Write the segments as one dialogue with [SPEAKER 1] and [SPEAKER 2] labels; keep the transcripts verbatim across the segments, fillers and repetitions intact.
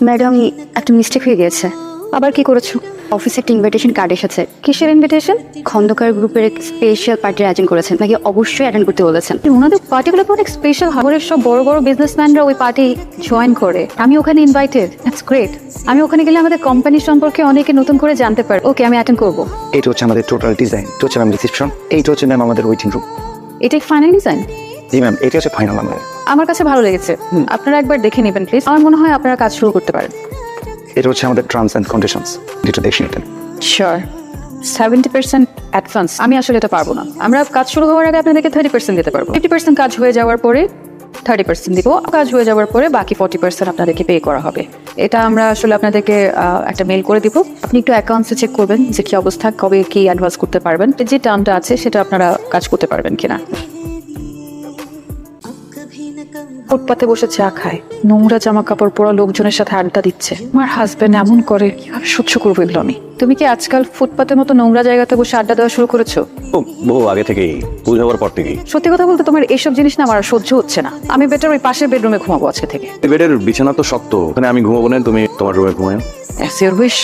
[SPEAKER 1] Madam একটা mistake হয়ে গিয়েছে। আবার কি করেছো? অফিসে একটা ইনভিটেশন কার্ড এসেছে। কিসের ইনভিটেশন? খন্দকার গ্রুপের স্পেশাল পার্টির আয়োজন করেছেন, নাকি অবশ্যই অ্যাটেন্ড করতে বলেছেন। ওনাদের পার্টিগুলো অনেক স্পেশাল, হাওড়ের সব বড় বড় বিজনেসম্যানরা ওই পার্টি জয়েন করে। আমি ওখানে ইনভাইটেড। That's great. আমি ওখানে গেলে আমাদের কোম্পানি সম্পর্কে অনেকে নতুন করে জানতে পারে। ওকে, আমি অ্যাটেন্ড করবো।
[SPEAKER 2] এইটা হচ্ছে আমাদের টোটাল ডিজাইন, এটা হচ্ছে ম্যাম রিসেপশন, এইটা হচ্ছে ম্যাম আমাদের ওয়েটিং রুম।
[SPEAKER 1] এটা ফাইনাল ডিজাইন?
[SPEAKER 2] জি ম্যাম, এটা হচ্ছে ফাইনাল আমাদের।
[SPEAKER 1] আমার কাছে ভালো লেগেছে, আপনারা একবার দেখে নেবেন প্লিজ। আমার মনে হয় আপনারা কাজ শুরু করতে পারেন।
[SPEAKER 2] এটা হচ্ছে আমাদের টার্মস অ্যান্ড কন্ডিশনস, যেটা দেখে নিতেন।
[SPEAKER 1] শিওর। Seventy percent advance. আমি আসলে এটা পারবো না। আমরা কাজ শুরু হওয়ার আগে আপনাদেরকে থার্টি পার্সেন্ট দিতে পারবো। ফিফটি পার্সেন্ট কাজ হয়ে যাওয়ার পরে থার্টি পার্সেন্ট দিব। কাজ হয়ে যাওয়ার পরে বাকি ফর্টি পার্সেন্ট আপনাদেরকে পে করা হবে। এটা আমরা আসলে আপনাদেরকে একটা মেল করে দিব। আপনি একটু অ্যাকাউন্টসে চেক করবেন যে কি অবস্থা, কবে কি অ্যাডভান্স করতে পারবেন, যে টার্মটা আছে সেটা আপনারা কাজ করতে পারবেন কিনা। ফুটপাতে বসে চা খায়, নোংরা জামা কাপড় পরা লোকজনের সাথে আড্ডা দিচ্ছে। আমার হাজবেন্ড এমন করে, কিভাবে সহ্য করবো এগুলো আমি? তুমি কি আজকাল ফুটপাতের মতো নোংরা জায়গাতে বসে আড্ডা দেওয়া শুরু করেছো?
[SPEAKER 3] বহু আগে থেকেই, ভুল হওয়ার পর থেকেই।
[SPEAKER 1] সত্যি কথা বলতে তোমার এইসব জিনিস না আমার আর সহ্য হচ্ছে না। আমি বেটার ওই পাশের বেডরুমে ঘুমাবো আজকে থেকে।
[SPEAKER 3] বেডের বিছানা তো শক্ত, ওখানে আমি ঘুমাবো না, তুমি তোমার রুমে ঘুমাও।
[SPEAKER 1] As your wish.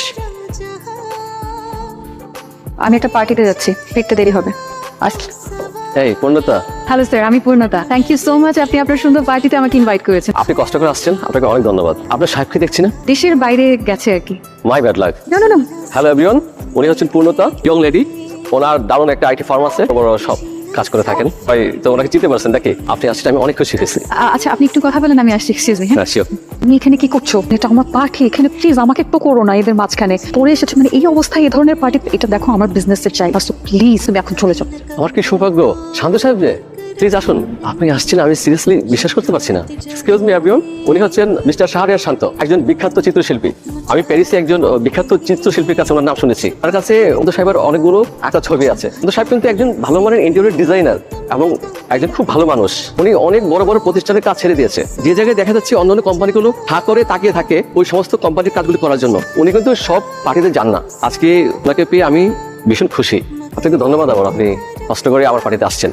[SPEAKER 1] আমি একটা পার্টিতে যাচ্ছি, ফিরতে দেরি হবে। আসছি।
[SPEAKER 3] এই পূর্ণতা,
[SPEAKER 1] হ্যালো স্যার, আমি পূর্ণতা। থ্যাংক ইউ সো মাচ, আপনি আপনার সুন্দর পার্টিতে আমাকে ইনভাইট করেছেন।
[SPEAKER 3] আপনি কষ্ট করে আসছেন, আপনাকে অনেক ধন্যবাদ। আপনার সাহেবকে দেখছি না?
[SPEAKER 1] দেশের বাইরে গেছে আর কি।
[SPEAKER 3] My bad luck.
[SPEAKER 1] না না না,
[SPEAKER 3] হ্যালো এভরিওয়ান, উনি হচ্ছেন পূর্ণতা, ইয়ং লেডি। ওনার দারুণ একটা আইটি ফার্ম আছে, বড় সব কাজ করে থাকেন। ভাই তো ওনাকে চিনতে পারছেন নাকি? আপনি আসছেন, আমি অনেক খুশি হয়েছি।
[SPEAKER 1] আ- আচ্ছা আপনি একটু কথা বলেন, আমি আসছি। Excuse me. হ্যাঁ,
[SPEAKER 3] হ্যাঁ শিওর।
[SPEAKER 1] তুমি এখানে কি করছো? এটা আমার পার্টি, এখানে প্লিজ আমাকে একটু করো না এদের মাঝখানে পড়ে এসেছো। মানে এই অবস্থায় এই ধরনের পার্টি, এটা দেখো আমার বিজনেসের চাই। প্লিজ তুমি এখন চলে যাও।
[SPEAKER 3] আমার কি সৌভাগ্য। শান্ত সাহেব যে, প্লিজ আসুন। আপনি আসছেন, আমি সিরিয়াসলি বিশ্বাস করতে পারছি না। এক্সকিউজ মি এভরিওয়ান, উনি হচ্ছেন মিস্টার শাহরিয়ার শান্ত, একজন বিখ্যাত চিত্রশিল্পী। আমি প্যারিসে একজন বিখ্যাত চিত্রশিল্পীর কাছে ওনার নাম শুনেছি। তার কাছে অন্ত সাহেবের অনেকগুলো একটা ছবি আছে। অন্ত সাহেব কিন্তু একজন ভালো মানের ইন্টেরিয়র ডিজাইনার এবং একজন খুব ভালো মানুষ। উনি অনেক বড় বড় প্রতিষ্ঠানের কাজ ছেড়ে দিয়েছে। যে জায়গায় দেখা যাচ্ছে অন্যান্য কোম্পানিগুলো হা করে তাকিয়ে থাকে ওই সমস্ত কোম্পানির কাজগুলি করার জন্য, উনি কিন্তু সব পার্টিতে যান না। আজকে ওনাকে পেয়ে আমি ভীষণ খুশি। আপনাকে ধন্যবাদ আমার, আপনি কষ্ট করে আমার পার্টিতে আসছেন।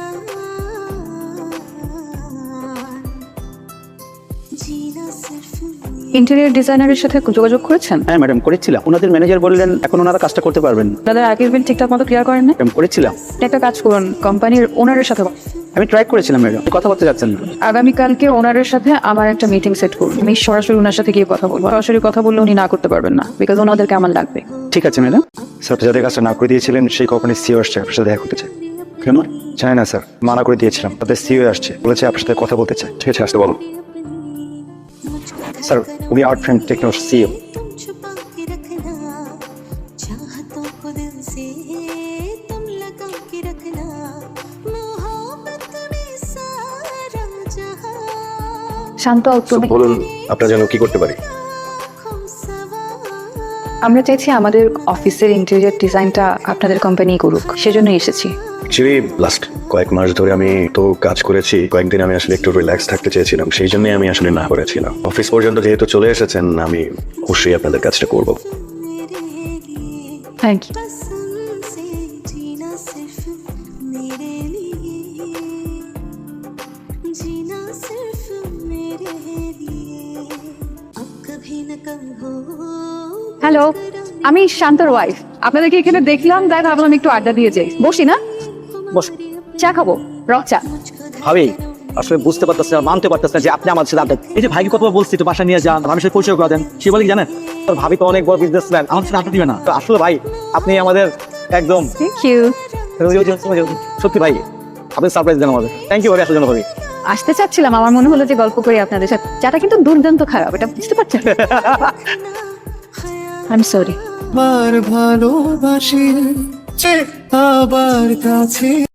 [SPEAKER 1] ইন্টেরিয়র ডিজাইনারের সাথে যোগাযোগ করেছেন?
[SPEAKER 2] হ্যাঁ ম্যাডাম, করেছিলাম। ওনাদের ম্যানেজার বললেন এখন ওনারা কাজটা করতে পারবেন।
[SPEAKER 1] দাদার আগের বিল ঠিকঠাক মতো ক্লিয়ার করেন না?
[SPEAKER 2] ম্যাডাম করেছিলাম।
[SPEAKER 1] একটা কাজ করুন, কোম্পানির ওনারের সাথে কথা-
[SPEAKER 2] আমি ট্রাই করেছিলাম ম্যাডাম, কথা বলতে যাচ্ছেন না।
[SPEAKER 1] আগামীকালকে ওনারের সাথে আমার একটা মিটিং সেট করুন। আমি সরাসরি ওনার সাথে গিয়ে কথা বলবো। সরাসরি কথা বললে উনি না করতে পারবেন না, বিকজ ওনাদেরকে আমার লাগবে।
[SPEAKER 2] ঠিক আছে ম্যাডাম। স্যার যাদের কাজটা না করে দিয়েছিলেন সেই কোম্পানির সিও আসছে, আপনার সাথে দেখা করতে চাই। কেন? চাই না স্যার, মানা করে দিয়েছিলাম। তাদের সিও আসছে, বলেছে আপনার সাথে কথা বলতে চাই। ঠিক আছে, আসতে বলো। Sir we art frame techno co.
[SPEAKER 1] Shanto, তুমি
[SPEAKER 3] বলুন আপনার জন্য কি করতে পারি?
[SPEAKER 1] আমরা চাইছি আমাদের অফিসের ইন্টেরিয়র ডিজাইনটা আপনাদের কোম্পানি করুক, সেজন্য এসেছি।
[SPEAKER 4] অ্যাকচুয়ালি লাস্ট কয়েক মাস ধরে আমি তো কাজ করেছি, কয়েকদিন আমি আসলে একটু রিল্যাক্স থাকতে চেয়েছিলাম, সেই জন্যই আমি আসলে না করেছিলাম। অফিস পর্যন্ত যেহেতু চলে এসেছেন, আমি অবশ্যই আপনাদের কাজটা করব।
[SPEAKER 1] Thank you. হ্যালো, আমি শান্তর ওয়াইফ। আপনাদেরকে এখানে দেখলাম, তাই ভাবলাম একটু আড্ডা দিয়ে যাই। বসি না?
[SPEAKER 2] বস।
[SPEAKER 1] চা খাবো, রক চা।
[SPEAKER 5] ভাবি আসলে বুঝতে পারতেছি না, মানতে পারতেছি না যে আপনি আমার সাথে আড্ডা। এই যে ভাইকে কতবার বলছি তো বাসা নিয়ে যান, আমি সাথে পরিচয় করে দেন, সে বলে কি জানেন, তোর ভাবি তো অনেক বড় বিজনেসম্যান, আমার সাথে আড্ডা দিবে না। তো আসলে ভাই আপনি আমাদের একদম
[SPEAKER 1] থ্যাংক ইউ।
[SPEAKER 5] সত্যি ভাই, আপনি সারপ্রাইজ দেন আমাদের। থ্যাংক ইউ ভাবি, আসার জন্য ভাবি।
[SPEAKER 1] আসতে চাচ্ছিলাম, আমার মনে হলো যে গল্প করি আপনাদের সাথে। চাটা কিন্তু দুর্দান্ত খারাপ, এটা বুঝতে পারছেন? I am sorry.
[SPEAKER 6] আবার ভালোবাসি আবার কাছে